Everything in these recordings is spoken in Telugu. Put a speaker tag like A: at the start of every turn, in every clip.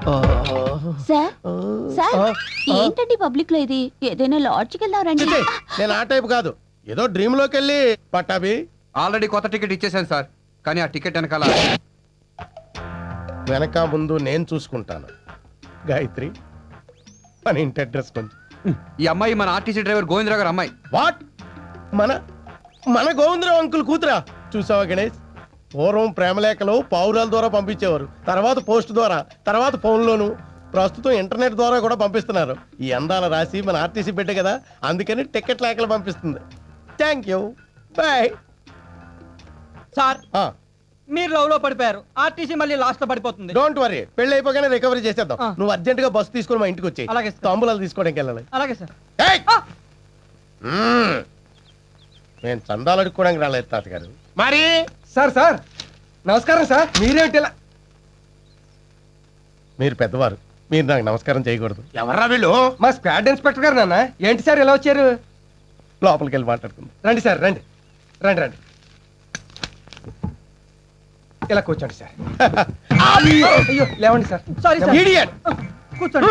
A: సార్ సార్ ఏంటండి పబ్లిక్ లో ఇది? ఏదైనా లాడ్జ్కి వెళ్దారండి.
B: నేను ఆ టైప్ కాదు, ఏదో డ్రీమ్ లోకి వెళ్ళి పట్టాభి.
C: ఆల్రెడీ కొత్త టికెట్ ఇచ్చేసాను సార్, కానీ ఆ టికెట్ వెనకాల
B: వెనక ముందు నేను చూసుకుంటాను. గాయత్రి, మన ఇంటి అడ్రస్ కొంచెం.
C: ఈ అమ్మాయి మన ఆర్టీసీ డ్రైవర్ గోవిందరావు గారు అమ్మాయి.
B: వాట్? మన మన గోవిందరావు అంకుల్ కూతురా? చూసావా గణేష్, పూర్వం ప్రేమలేఖలు పావురాల ద్వారా పంపించేవారు, తర్వాత పోస్ట్ ద్వారా, తర్వాత ఫోన్లోను, ప్రస్తుతం ఇంటర్నెట్ ద్వారా కూడా పంపిస్తున్నారు. ఈ అందాల రాసి మన ఆర్టీసీ బిడ్డ కదా, అందుకని టికెట్ లేఖలు పంపిస్తుంది. Thank you, bye.
D: సార్ మీరు లవ్ లో పడిపోయారు, ఆర్టీసీ మళ్ళీ లాస్ట్ లో పడిపోతుంది.
B: డోంట్ వరీ, పెళ్లి అయిపోగానే రికవరీ చేసేద్దాం. నువ్వు అర్జెంట్ గా బస్సు తీసుకుని మా ఇంటికి వచ్చి
D: అలాగే సార్.
B: తాంబూలాలు తీసుకోవడానికి వెళ్ళాలి.
D: అలాగే సార్.
B: నేను చందాలు అడుక్కోవడానికి రాలేదు తాతగారు.
E: మరి
F: సార్ సార్ నమస్కారం సార్. మీరేమిటి ఇలా?
B: మీరు పెద్దవారు, మీరు నాకు నమస్కారం చేయకూడదు.
E: ఎవర్రా వీళ్ళు?
F: మా స్క్వాడ్ ఇన్స్పెక్టర్ గారు నాన్న. ఏంటి సార్ ఇలా వచ్చారు?
B: లోపలికి వెళ్ళి మాట్లాడుకుందాం.
F: రండి సార్, రండి రండి రండి. ఇలా కూర్చోండి సార్. అయ్యో లేవండి సార్.
D: Sorry sir.
B: Idiot!
D: కూర్చోండి.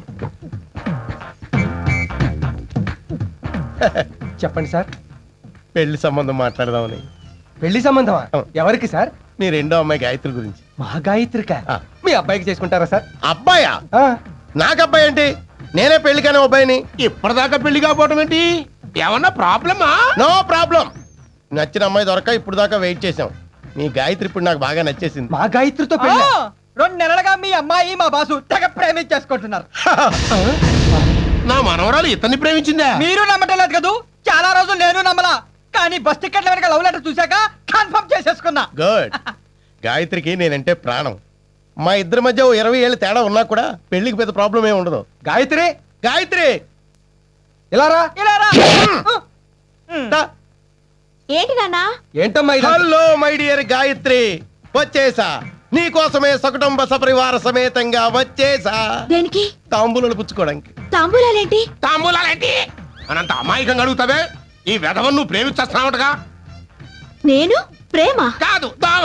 F: చెప్పండి సార్.
B: పెళ్లి సంబంధం మాట్లాడదామని.
F: పెళ్లి సంబంధమా? ఎవరికి సార్?
B: మీ రెండో అమ్మాయి గాయత్రి గురించి.
F: మా గాయత్రిక.
B: ఆ.
F: మీ అబ్బాయికి చేసుకుంటారా సార్?
B: అబ్బాయా?
F: ఆ.
B: నాకు అబ్బాయి ఏంటి? నేనే పెళ్లి కానీ అబ్బాయిని.
E: ఇప్పటిదాకా పెళ్లి కాకపోవటం ఏంటి? ఏమన్నా ప్రాబ్లమా?
B: No problem. నచ్చిన అమ్మాయి దొరక ఇప్పుడు దాకా వెయిట్ చేసాం. మీ గాయత్రి ఇప్పుడు నాకు బాగా నచ్చేసింది.
F: మా గాయత్రితో
D: ఆ,
F: పెళ్లి?
D: 2 నెలలుగా మీ అమ్మాయి మా బాసు తెగ ప్రేమించేసుకుంటున్నారు.
E: నా మనవరాలు ఇతన్ని ప్రేమించిందా?
D: మీరు నమ్మటం లేదు కదూ, చాలా రోజులు నేను నమ్మలా, కానీ బస్ టికెట్ల వెనక లవ్ లెటర్ చూశాక కన్ఫర్మ్ చేసేసుకున్నా.
B: గుడ్. గాయత్రికి నేనంటే ప్రాణం. మా ఇద్దరి మధ్య 20 ఏళ్ళు తేడా ఉన్నా కూడా పెళ్లికి పెద్ద ప్రాబ్లం ఏమి ఉండదు.
F: గాయత్రి
B: గాయత్రి,
F: ఇలా రా.
D: ఇలా రా.
B: దా.
A: ఏంటి నాన్నా?
F: ఏంటమ్మా ఇది?
B: హలో మై డియర్ గాయత్రి, వచ్చేసా. నీ కోసమే సకుటుంబ సపరివార సమేతంగా వచ్చేసా.
A: దేనికి?
B: తాంబూలాలు పుచ్చుకోవడానికి.
A: తాంబూలాలేంటి?
E: తాంబూలాలేంటి అనంత అమాయకంగా అడుగుతావే? ఈ వెధవను నువ్వు ప్రేమించేస్తున్నావుగా?
A: నేను ప్రేమ?
E: కాదు, దావా.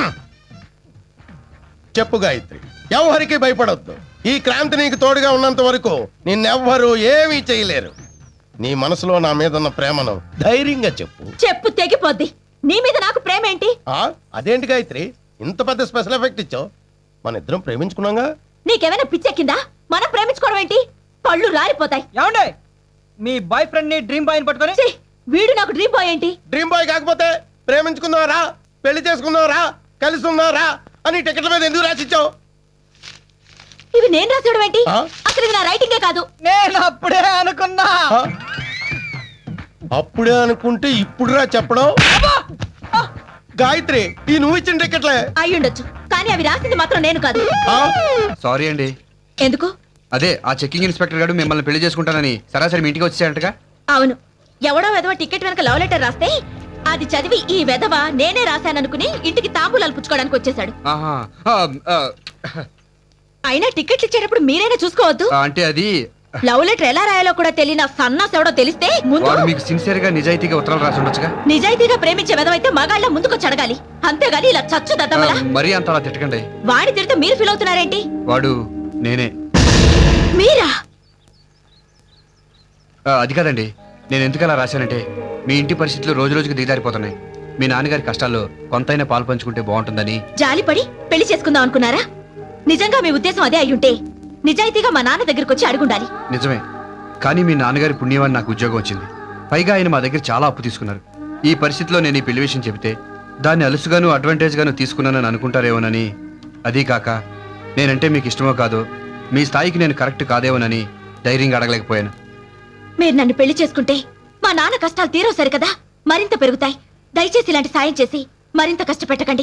B: చెప్పు గాయత్రి, ఎవరికి భయపడొద్దు. ఈ క్రాంతి నీకు తోడుగా ఉన్నంత వరకు నిన్నెవ్వరూ ఏమీ చేయలేరు. నీ మనసులో నా మీద ఉన్న ప్రేమను ధైర్యంగా చెప్పు.
A: చెప్పు తెగిపోద్ది. నీ మీద నాకు ప్రేమ ఏంటి?
B: అదేంటి గాయత్రి, ఇంత పెద్ద స్పెషల్ ఎఫెక్ట్ ఇచ్చావు? మన ఇద్దరం ప్రేమించుకున్నాగా.
A: నీకేమైనా పిచ్చెక్కిందా? మనం ప్రేమించుకోవడం ఏంటి? పళ్ళు రాలిపోతాయి.
D: ఏమండి, మీ బాయ్ ఫ్రెండ్ ని డ్రీమ్ బాయ్ పట్టుకొని
A: ఛీ, వీడు నాకు డ్రీమ్ బాయ్ ఏంటి?
B: డ్రీమ్ బాయ్ కాకపోతే ప్రేమించుకుందావరా, పెళ్లి చేసుకుందావరా, కలిసి ఉందావరా అని టికెట్ల మీద ఎందుకు రాసిచ్చావు?
A: ఇవి నేను రాసేయడం ఏంటి?
B: ఆ?
A: అసలు ఇది నా రైటింగే కాదు.
D: నేను అప్పుడే అనుకున్నా.
B: ఆ? అప్పుడే అనుకుంటే ఇప్పుడురా చెప్పడం. గాయత్రి, ఈ నువ్వు ఇచ్చిన టికెట్లే
A: అయ్యుండొచ్చు, కానీ అవి రాసింది మాత్రం నేను కాదు.
C: సారీ అండి.
A: ఎందుకు?
C: అదే ఆ చెక్కింగ్ ఇన్స్పెక్టర్ గారు మిమ్మల్ని పెళ్లి చేసుకుంటానని సరాసరి మీ ఇంటికి వచ్చేసారంటగా.
A: అవును, ఎవడో వెధవ టికెట్ వెనక లవ్ లెటర్ రాస్తే అది చదివి ఈ వెధవ నేనే రాశాననుకుని ఇంటికి తాంబూలాలు పుచ్చుకోవడానికి వచ్చేసాడు.
C: ఆహా.
A: అయినా టికెట్లు ఇచ్చేటప్పుడు మీరైనా చూసుకోవద్దు.
C: అంటే అది
A: లవ్ లెటర్ ఎలా రాయాలో కూడా తెలియని సన్నాస్ ఎవడో తెలిస్తే ముందు
C: వాడు మీకు సిన్సియర్ గా నిజాయితీగా ఉత్తరాలు రాసి ఉండొచ్చుగా.
A: నిజాయితీగా ప్రేమించే వెధవైతే మగాళ్ళ ముందుకొచ్చి అడగాలి, అంతేగాని ఇలా చచ్చు దద్దమలా.
C: మరీ అంత అలా తిట్టకండి.
A: వాడి తిడితే మీరు ఫీల్ అవుతున్నారేంటి?
C: వాడు నేనే.
A: మీరా?
C: అది కాదండి, నేను ఎందుకు అలా రాశానంటే మీ ఇంటి పరిస్థితులు రోజు రోజుకి దిగజారిపోతున్నాయి. మీ నాన్నగారి కష్టాల్లో కొంతైనా పాలు పంచుకుంటే బాగుంటుందని.
A: జాలిపడి పెళ్లి చేసుకుందాం అనుకున్నారా? నిజంగా మీ ఉద్దేశం అదే అయ్యుంటే నిజాయితీగా మా నాన్న దగ్గరికి వచ్చి అడుగుండాలి.
C: నిజమే, కానీ మీ నాన్నగారి పుణ్యమని నాకు ఉద్యోగం వచ్చింది. పైగా ఆయన మా దగ్గర చాలా అప్పు తీసుకున్నారు. ఈ పరిస్థితిలో నేను ఈ పెళ్లి విషయం చెబితే దాన్ని అలుసుగాను అడ్వాంటేజ్ గాను తీసుకున్నానని అనుకుంటారేమోనని, అదీ కాక నేనంటే మీకు ఇష్టమో కాదో, మీ స్థాయికి నేను కరెక్ట్ కాదేమోనని ధైర్యంగా అడగలేకపోయాను.
A: మీరు నన్ను పెళ్లి చేసుకుంటే మా నాన్న కష్టాలు తీరవు సరికదా, మరింత పెరుగుతాయి. దయచేసి ఇలాంటి సాయం చేసి మరింత కష్టపెట్టకండి.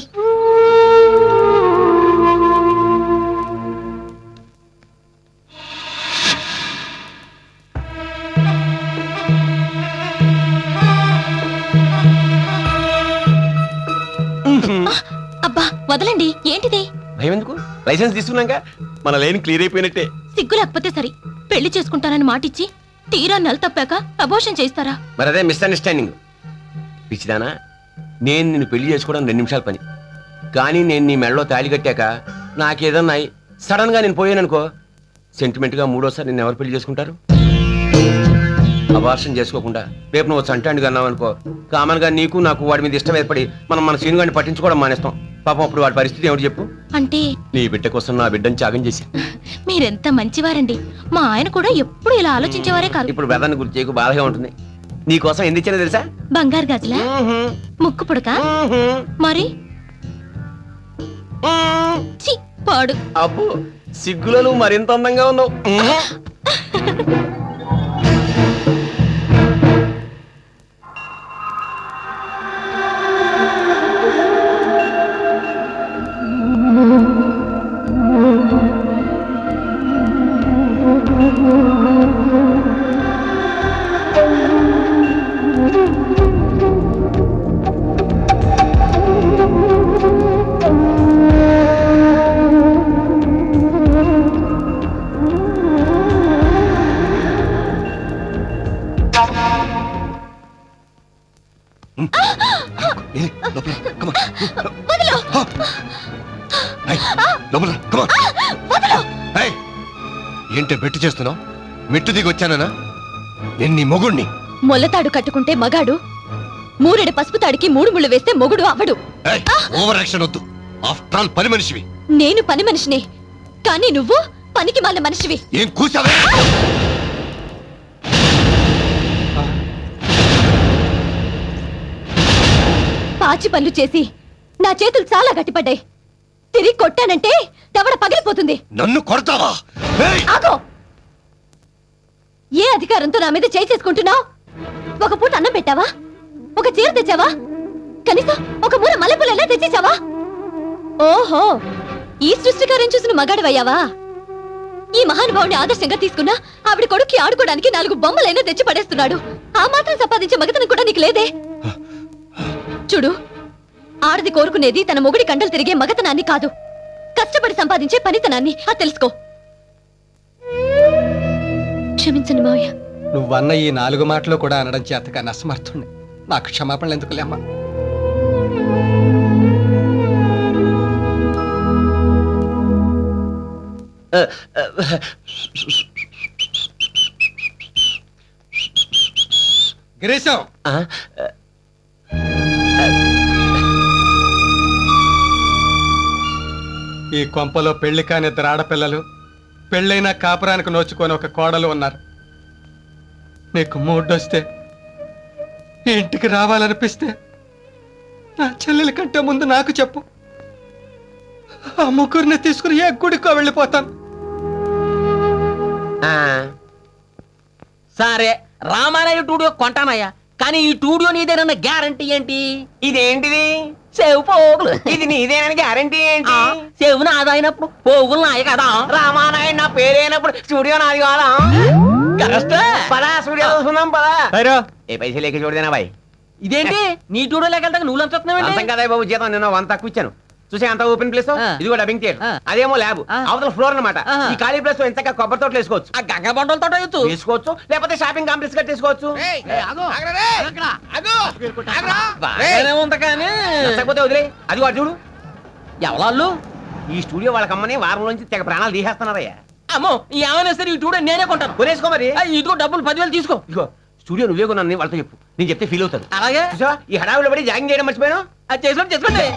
A: అబ్బా వదలండి. ఏంటిది?
G: భయం ఎందుకు? లైసెన్స్ తీసుకున్నాక మన లైన్ క్లియర్ అయిపోయినట్టే.
A: సిగ్గు లేకపోతే సరి. పెళ్లి చేసుకుంటానని మాటిచ్చి తీరా నెల తప్పాక అబోర్షన్ చేస్తారా?
G: మరి అదే మిస్అండర్స్టాండింగ్. పిచ్చిదానా, నేను నిన్ను పెళ్లి చేసుకోవడం 2 నిమిషాల పని, కానీ నేను నీ మెడలో తాళి కట్టాక నాకేదన్నా సడన్ గా నేను పోయాననుకో సెంటిమెంట్ గా మూడోసారి నేను ఎవరు పెళ్లి చేసుకుంటారు? అబార్షన్ చేసుకోకుండా రేపు నువ్వు చంటాండి అన్నావు అనుకో, కామన్ గా నీకు నాకు వాడి మీద ఇష్టం ఏర్పడి మనం మన సీను గారిని పట్టించుకోవడం మానేస్తాం. పాపం అప్పుడు వాడి పరిస్థితి ఏమిటి చెప్పు?
A: అంటే
G: నీ బిడ్డ కోసం నా బిడ్డని త్యాగం చేసి.
A: మీరెంత మంచివారండి. మా ఆయన కూడా ఎప్పుడు ఇలా ఆలోచించేవారే కాదు.
G: ఇప్పుడు బ్రదర్ని గుర్తు చేయకు, బాధగా ఉంటుంది. నీ కోసం ఎందుకు ఇచ్చానో తెలుసా?
A: బంగారు గాజులా, ముక్కు పుడక, మరి ఛీ, పాడు.
G: అబ్బో సిగ్గులో నువ్వు మరింత అందంగా ఉన్నావు.
E: ఏంటే బెట్టు చేస్తున్నావు? మెట్టు దిగి వచ్చానా? నేను నీ మొగుణ్ణి.
A: మొల్లతాడు కట్టుకుంటే మగాడు, మూరెడు పసుపు తాడికి 3 ముళ్ళు వేస్తే మొగుడు అవడు.
E: ఓవర్ యాక్షన్ వద్దు. ఆఫ్టర్ ఆల్ పని మనిషివి.
A: నేను పని మనిషినే, కానీ నువ్వు పనికి మాలిన మనిషివి.
E: ఏం కూసావే?
A: పాచి పనులు చేసి నా చేతులు చాలా గట్టిపడ్డాయి. తిరిగి కొట్టానంటే దవడ పగిలిపోతుంది.
E: నన్ను కొడతావా?
A: ఆగో! ఏ అధికారంతో నా మీద చేయి చేసుకుంటున్నావు? ఒక పూట అన్నం పెట్టావా? ఒక చీర తెచ్చావా? కనీసం ఒక మూల మల్లెపూలైనా తెచ్చేసావా? ఓహో, ఈ సృష్టికారం చూసిన మగాడివయ్యావా? ఈ మహానుభావుని ఆదర్శంగా తీసుకున్నా ఆవిడ కొడుక్కి ఆడుకోవడానికి 4 బొమ్మలైనా తెచ్చి పడేస్తున్నాడు. ఆ మాత్రం సంపాదించే మగతనం కూడా నీకు లేదే? చూడు, ఆడది కోరుకునేది తన మొగుడి కండలు తిరిగే మగతనాన్ని కాదు, కష్టపడి సంపాదించే పనితనాన్ని. అది తెలుసుకో. క్షమించండి మావయ్య.
F: నువ్వన్న ఈ 4 మాటలు కూడా అనడం చేతగా నసమర్థుండి. నాకు క్షమాపణలు ఎందుకులేమ్మా? గిరీశం, ఈ కొంపలో పెళ్లి కాని 2 ఆడపిల్లలు, పెళ్ళైనా కాపురానికి నోచుకొని ఒక కోడలు ఉన్నారు. నీకు మూడొస్తే ఈ ఇంటికి రావాలనిపిస్తే నా చెల్లెల కంటే ముందు నాకు చెప్పు. ఆ ముగ్గురిని తీసుకుని ఏ గుడికో వెళ్ళిపోతాను.
H: సరే, రామారాయ టూడియో కొంటానయ్యా, కానీ ఈ టూడియో నీదేనన్న గ్యారంటీ ఏంటి?
G: ఇదేంటిది?
H: సేవు పోగులు.
G: ఇది నీదేనని గ్యారంటీ ఏంటి?
H: సేవు నాదైనప్పుడు పోగులు నాయ కదా.
G: రామానాయుడు నా పేరైనప్పుడు స్టూడియో నాది కాదా? పదా స్టూడియో చూసుకుందాం పదా. ఏ పైసలు లేక చూడదేనా బాయ్?
H: ఇదేంటి నీ టూడియో లేకెళ్తా నువ్వు
G: అంతం
H: లంచుతున్నావు?
G: కదా బాబు, జీతం నిన్న 1 తక్కువ ఇచ్చాను. చూసే అంత ఓపెన్ ప్లేస్, ఇదిగో డబ్బింగ్ థియేటర్, అదేమో ల్యాబ్, అవతల ఫ్లోర్ అన్నమాట. ఈ ఖాళీ ప్లేస్ లో ఎంతగా కొబ్బరి తోటలు వేసుకోవచ్చు,
H: ఆ గంగ బండల తోట
G: వేసుకోవచ్చు, లేకపోతే షాపింగ్ కాంప్లెక్స్ కట్టేసుకోవచ్చు.
H: బాగానే ఉంది కానీ
G: లేకపోతే వదిలే. అదిగో అటు చూడు,
H: ఎవరాళ్ళు?
G: ఈ స్టూడియో వాళ్ళకమ్మని వారం నుంచి తెగ ప్రాణాలు తీసేస్తున్నారయ్యా.
H: అమ్మో, ఏమైనా సరే ఈ టూడియో నేనే కొంటాను.
G: కొనేసుకో మరి.
H: ఇదిగో డబ్బులు 10,000 తీసుకో.
G: ఇదిగో స్టూడియో నువ్వే కొన్నాను వాళ్ళతో చెప్పు, నేను చెప్తే ఫీల్ అవుతారు.
H: అలాగే.
G: చూసావా, ఈ హడావులో పడి జాగింగ్ చేయడం మర్చిపోయాను.
H: అది చేసుకోండి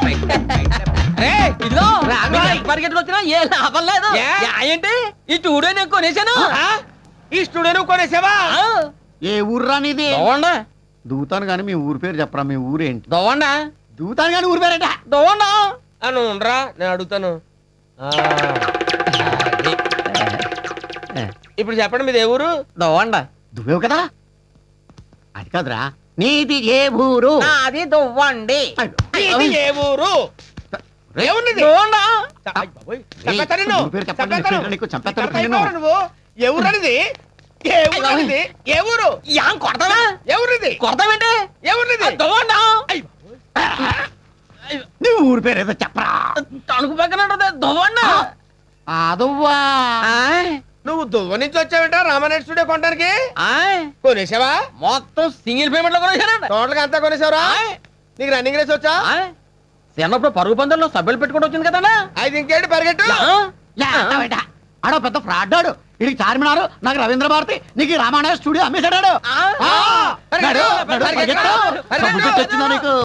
H: ఇదిగో పరిగెట్టుకు వచ్చినా ఏ లాభం లేదు. ఏంటి ఈ టూడియో నేను కొనేసాను.
G: ఈ స్టూడియో నువ్వు కొనేసావా?
I: ఏ ఊర్రా నీది?
H: దోవండా
I: దూతాను గాని మీ ఊరి పేరు చెప్పరా. మీ ఊరేంటి?
H: దోవండా
I: దూతాను గాని ఊరి పేరేట?
H: దోవండా
G: అని ఉండరా, నేను అడుగుతాను. ఇప్పుడు చెప్పండి, మీది ఏ ఊరు?
H: దోవండా.
I: దువ్వేవు కదా? అది కాదురా, నీది ఏ ఊరు?
H: అది దొవ్వండి.
G: ఇది ఏ ఊరు? ఏమున్నది?
H: దోవండా.
G: చంపేస్తాను నిన్ను.
I: ఊరి పేరు చెప్పండి,
G: చంపేస్తాను.
I: నీకు చంపేస్తాను
G: చంపేస్తాను
I: నిన్ను.
G: నువ్వు. ఏ ఊరు అనేది? ఏ ఊరు అనేది? ఏ ఊరు?
H: యాం కొడతావా?
G: ఎవరిది?
H: కొడతావేంటి?
G: ఎవరిది?
H: దోవండా.
I: నీ ఊరి పేరు ఏదో చెప్పరా.
H: తణుకు పక్కన దోవండా.
I: అదవ్వా,
G: నువ్వు దువ్వ నుంచి వచ్చావేంట రామానాయుడు స్టూడియో కొనడానికి? కొనేసావా?
H: మొత్తం సింగిల్ పేమెంట్ లో కొనేసానండి.
G: టోటల్ గా అంతా కొనేసావరా? నీకు రన్నింగ్ రేస్ వచ్చా?
H: చిన్నప్పుడు పరుగు పందెంలో సభ్యులు పెట్టుకుంటూ వచ్చింది కదండి.
G: అయితే ఇంకేంటి పరిగెట్టు.
I: ఆడో పెద్ద ఫ్రాడ్ ఆడు. ఇది చార్మినారు, నాకు రవీంద్ర భారతి, నీకు ఈ రామాయణ స్టూడియో అమ్మేశాడు.
H: ఆ.
I: వచ్చిందా నీకు?